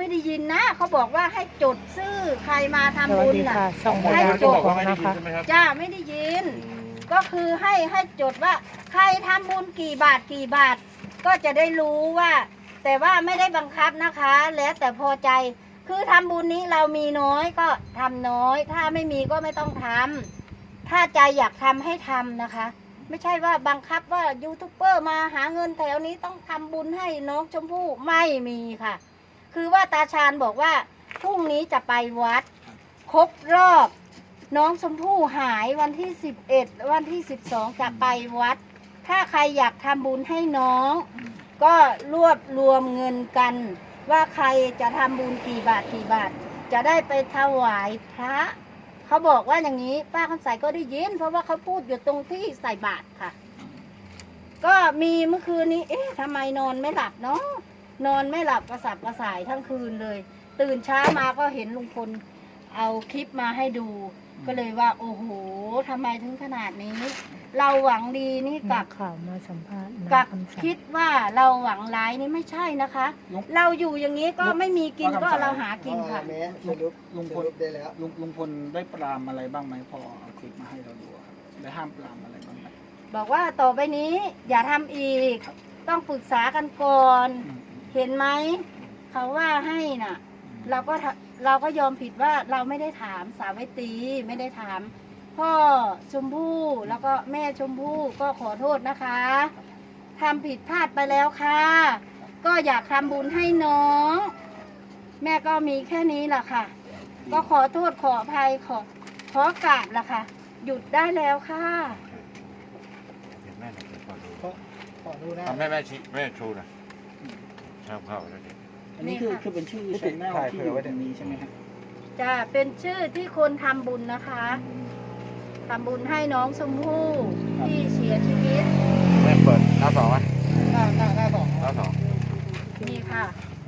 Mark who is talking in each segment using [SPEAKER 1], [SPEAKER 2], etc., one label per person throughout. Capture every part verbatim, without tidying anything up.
[SPEAKER 1] ไม่ได้ยินนะเขาบอกว่าให้จดชื่อใครมาทำบุญน่ะ
[SPEAKER 2] ช่อง
[SPEAKER 1] ให้จด
[SPEAKER 2] บอกนะคะ
[SPEAKER 1] จ้าไม่ได้ยิน ก็คือให้ให้จดว่าใครทำบุญกี่บาทกี่บาท ก็จะได้รู้ว่า แต่ว่าไม่ได้บังคับนะคะ แล้วแต่พอใจคือทำบุญนี้เรามีน้อยก็ทำน้อย ถ้าไม่มีก็ไม่ต้องทำถ้าใจอยากทำให้ทำนะคะ ไม่ใช่ว่าบังคับว่ายูทูบเบอร์มาหาเงินแถวนี้ต้องทำบุญให้น้องชมพู่ไม่มีค่ะ คือว่าตาชาญบอกว่าพรุ่งนี้จะไปวัดครบรอบน้องชมพู่หายวันที่สิบเอ็ดวันที่สิบสองจะไปวัด ถ้าใครอยากทำบุญให้น้อง ก็รวบรวมเงินกัน ว่าใครจะทำบุญกี่บาทกี่บาท จะได้ไปถวายพระเขาบอกว่าอย่างนี้ป้าคำใสก็ได้ยินเพราะว่าเขาพูดอยู่ตรงที่ใส่บาตรค่ะ ก็มีเมื่อคืนนี้เอ๊ะทำไมนอนไม่หลับเนาะนอนไม่หลับกระสับกระส่ายทั้งคืนเลย ตื่นเช้ามาก็เห็นลุงพลเอาคลิปมาให้ดู ก็เลยว่าโอ้โหทำไมถึงขนาดนี้ เราหวังดีนี่
[SPEAKER 2] กั
[SPEAKER 1] กั
[SPEAKER 2] บบ ข่าวมาสัมภาษณ์
[SPEAKER 1] กับ
[SPEAKER 2] คำสั่ง
[SPEAKER 1] คิดว่าเราหวังร้ายนี่ไม่ใช่นะคะ เราอยู่อย่างนี้ก็ไม่มีกินก็เราหากินค่ะ
[SPEAKER 3] แม่สรุป
[SPEAKER 4] ลุงพ
[SPEAKER 3] ส
[SPEAKER 4] ล
[SPEAKER 3] รุปได้แล้ว
[SPEAKER 4] ลุงลุงพลได้ปรามอะไรบ้างไหมพอเอาคลิปมาให้เราดูครับได้ห้ามปรามอะไรบ้างไหม
[SPEAKER 1] บอกว่าต่อไปนี้อย่าทำอีก ต้องปรึกษากันก่อน
[SPEAKER 4] อืม
[SPEAKER 1] เห็นไหมเขาว่าให้น่ะ เราก็ทะเราก็ยอมผิดว่าเราไม่ได้ถามสาวิตรีไม่ได้ถาม พ่อชมพู่แล้วก็แม่ชมพู่ก็ขอโทษนะคะทำผิดพลาดไปแล้วค่ะ ก็อยากทำบุญให้น้อง แม่ก็มีแค่นี้แหละค่ะ ก็ขอโทษขออภัยขอขอกราบละค่ะ หยุดได้แล้วค่ะ
[SPEAKER 5] เห็นแม่หน่อยขอดู
[SPEAKER 3] ขอขอดูหน้า
[SPEAKER 5] ทำแม่แม่ชี้แม่ชูนะชอบเข้าแล้วดิ
[SPEAKER 4] อันนี้คือ
[SPEAKER 1] นี่ค่ะ
[SPEAKER 4] คือเป็นชื่อชแนลที่อยู่ตรงนี้ใช่ไหมครับ
[SPEAKER 1] จะเป็นชื่อที่คนทำบุญนะคะทำบุญให้น้องชมพู่ที่เสียชีวิต
[SPEAKER 5] แม่เปิดหน้าสองไหม
[SPEAKER 3] หน้าหน้าหน้าสอง
[SPEAKER 5] หน้าสอง
[SPEAKER 1] นี่ค่ะ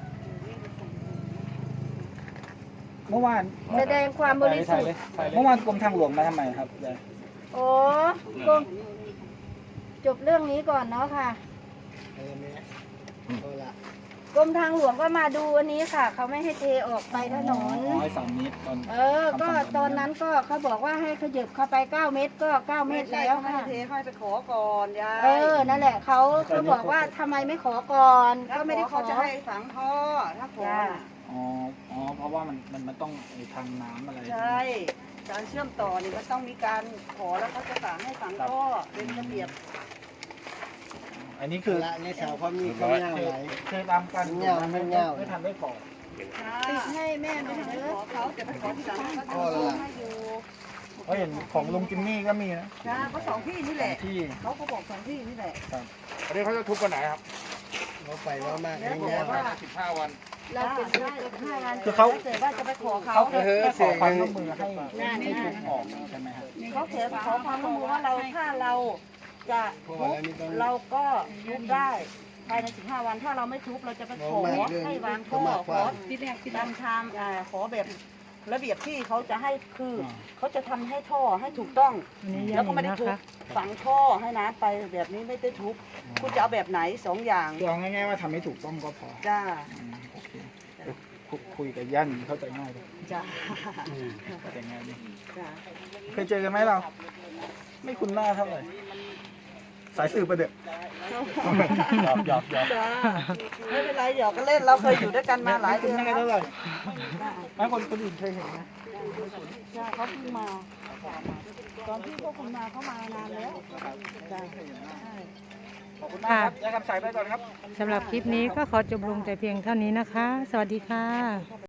[SPEAKER 4] เมื่อวาน
[SPEAKER 1] แสดงความบริสุทธิ์
[SPEAKER 4] เมื่อวานกรมทางหลวงมาทำไมครับยาย
[SPEAKER 1] โอ้ก็จบเรื่องนี้ก่อนเนาะค่ะ
[SPEAKER 3] เออแม่เอาละ
[SPEAKER 1] กรมทางหลวงก็มาดูอันนี้ค่ะ เขาไม่ให้เทออกไปถนน
[SPEAKER 4] อ๋อให้สามเมตรตอน
[SPEAKER 1] เออ ก็ตอนนั้นก็เขาบอกว่าให้ขยับเข้าไปเก้าเมตรก็เก้าเมตรแล้วค่ะ
[SPEAKER 6] เทค่อยไปขอก่อนยาย
[SPEAKER 1] เออ นั่นแหละเขาเขาบอกว่าทำไมไม่ขอก่อน
[SPEAKER 6] ถ้า
[SPEAKER 1] ก็
[SPEAKER 6] ไม่
[SPEAKER 1] ไม่
[SPEAKER 6] ได้
[SPEAKER 1] ได้ข
[SPEAKER 6] เขา
[SPEAKER 1] อ
[SPEAKER 6] จะให้ฝังท่อถ้าขอ
[SPEAKER 1] จ้า
[SPEAKER 6] น่ะ
[SPEAKER 4] อ๋ออ๋อเพราะว่ามันมันมันต้องไอ้ทางน้ำอะไร
[SPEAKER 6] ใช่การเชื่อมต่อนี่มันต้องมีการขอแล้วเขาจะสั่งให้ฝังท่อเป็นระเบียบ
[SPEAKER 4] อันนี้คือ
[SPEAKER 3] ละในสาวความมีข้าวเหนียวไหล
[SPEAKER 4] เคยตามกัน
[SPEAKER 3] เงี้ยวไม่เงี้ยว
[SPEAKER 4] ไม่ทันได้ก่อ
[SPEAKER 1] ติดให้แม่หน่อย
[SPEAKER 6] ไม่
[SPEAKER 1] เด้
[SPEAKER 6] ข
[SPEAKER 1] อ
[SPEAKER 6] อเขาจะไปขอที่หลังเขาจะ
[SPEAKER 3] อ๋อเหรอ
[SPEAKER 6] ให้อยู่
[SPEAKER 4] เพราะเห็นของลุงจิมมี่ก็มีนะ
[SPEAKER 6] จ้าเขาสองที่นี่แหละ
[SPEAKER 4] ที่
[SPEAKER 6] เขาก็บอกสองที่นี่แหละ
[SPEAKER 5] อันนี้เขาจะทุบกันไหนครับ
[SPEAKER 3] เราไปว่ามาก
[SPEAKER 6] แล้ว
[SPEAKER 3] เงี้
[SPEAKER 6] บ
[SPEAKER 3] ย
[SPEAKER 6] อกว่า
[SPEAKER 5] สิบห้าวัน
[SPEAKER 1] เราเป็นลูกเป็นห้าวัน
[SPEAKER 4] คือเขา
[SPEAKER 6] เกิดว่าจะไปขอเขา
[SPEAKER 4] เขาแค่ขอความร่วมมือให้
[SPEAKER 1] นั่น
[SPEAKER 4] ให้
[SPEAKER 1] นั่
[SPEAKER 4] ทุ
[SPEAKER 1] น
[SPEAKER 4] บออกใช่ไหมครับ
[SPEAKER 6] เขาเขียนขอความร่วมมือว่าเราถ้าเราจะทุบเราก็ทุบได้ภายในสิบห้าวันถ้าเราไม่ทุบเราจะไปขอให้วางท่อขอตามทางอ่าขอแบบระเบียบที่เขาจะให้คืออ
[SPEAKER 4] อ
[SPEAKER 6] เขาจะทำให้ท่อให้ถูกต้อง
[SPEAKER 2] อันนี้ยั
[SPEAKER 6] แล้ว
[SPEAKER 2] ง
[SPEAKER 6] ก็ไม่ได้
[SPEAKER 2] นะ
[SPEAKER 6] ทุบ
[SPEAKER 2] คะ
[SPEAKER 6] ฝังท่อให้น้ำไปแบบนี้ไม่ได้ทุบคุณจะเอาแบบไหนสองอย่าง
[SPEAKER 4] คือเอาง่ายๆว่าทำให้ถูกต้องก็พอ
[SPEAKER 6] จ้า
[SPEAKER 4] อืมโอเคคุคุยกับย่านเข้าใจง่ายเลย
[SPEAKER 6] จ้า
[SPEAKER 4] เข้าใจง่ายดี
[SPEAKER 6] จ้า
[SPEAKER 4] เคยเจอกันไหมเรา ไม่คุ้นหน้าเท่าไหร่สายสืบประเด็กหยอกหยอกหยอก
[SPEAKER 6] จ้าไม่เป็นไรหยอกกันเล่นเราเคยอยู่ด้วยกันมาหลาย
[SPEAKER 4] ไม่
[SPEAKER 6] เดื
[SPEAKER 4] คุ้
[SPEAKER 6] อน น
[SPEAKER 4] หน้า
[SPEAKER 6] แล้ว
[SPEAKER 4] เท่าไหร่ไม่คนคนอื่นเคยเห็นนะ
[SPEAKER 6] จ้าเขาเพิ่งมาตอนที่พวกคุณมาเขามานานแล้วจ้า
[SPEAKER 4] ขอบคุณมากครับยายคำสายไปก่อนครับ
[SPEAKER 2] สำหรับคลิปนี้ก็ขอจบลงแต่เพียงเท่านี้นะคะ สวัสดีค่ะ